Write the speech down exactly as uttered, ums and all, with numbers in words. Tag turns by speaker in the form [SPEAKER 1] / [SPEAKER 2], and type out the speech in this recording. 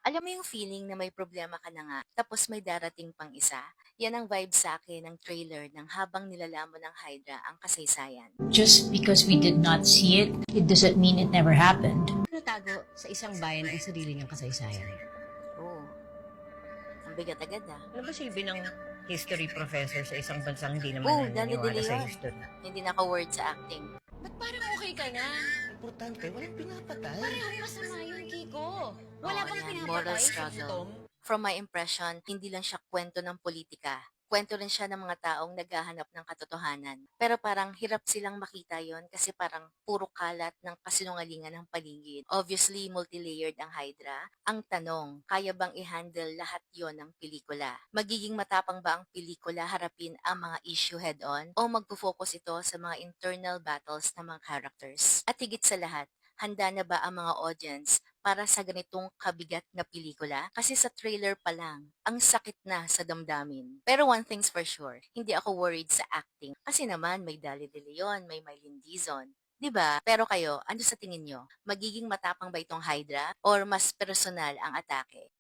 [SPEAKER 1] Alam mo yung feeling na may problema ka na nga, tapos may darating pang isa? Yan ang vibe sa akin ng trailer ng habang nilalamon ng Hydra ang kasaysayan.
[SPEAKER 2] Just because we did not see it, it doesn't mean it never happened.
[SPEAKER 3] Natago sa isang bayan ang sarili niyang kasaysayan.
[SPEAKER 1] Oo, ang bigat agad ah.
[SPEAKER 3] Ano ba silbi ng history professor sa isang bansang hindi naman
[SPEAKER 1] Oo,
[SPEAKER 3] naniniwala
[SPEAKER 1] dali-dali
[SPEAKER 3] sa
[SPEAKER 1] yun.
[SPEAKER 3] history?
[SPEAKER 1] Hindi naka-word sa acting.
[SPEAKER 4] Ba't parang okay ka na?
[SPEAKER 5] Importante, walang pinapatay.
[SPEAKER 4] Parehong masama yun, Kiko. Wala
[SPEAKER 1] Oo,
[SPEAKER 4] bang
[SPEAKER 1] yan,
[SPEAKER 4] pinapatay
[SPEAKER 1] moral
[SPEAKER 4] sa
[SPEAKER 1] struggle.
[SPEAKER 4] gutom?
[SPEAKER 1] From my impression, hindi lang siya kwento ng politika. Kwento rin siya ng mga taong naghahanap ng katotohanan. Pero parang hirap silang makita yon kasi parang puro kalat ng kasinungalingan ng paligid. Obviously, multilayered ang Hydra. Ang tanong, kaya bang i-handle lahat yon ng pelikula? Magiging matapang ba ang pelikula harapin ang mga issue head-on? O magpo-focus ito sa mga internal battles ng mga characters? At higit sa lahat, handa na ba ang mga audience para sa ganitong kabigat na pelikula? Kasi sa trailer pa lang, ang sakit na sa damdamin. Pero one thing's for sure, hindi ako worried sa acting. Kasi naman may Dali De Leon, may Mylene Dizon. 'Di ba? Pero kayo, ano sa tingin nyo? Magiging matapang ba itong Hydra or mas personal ang atake?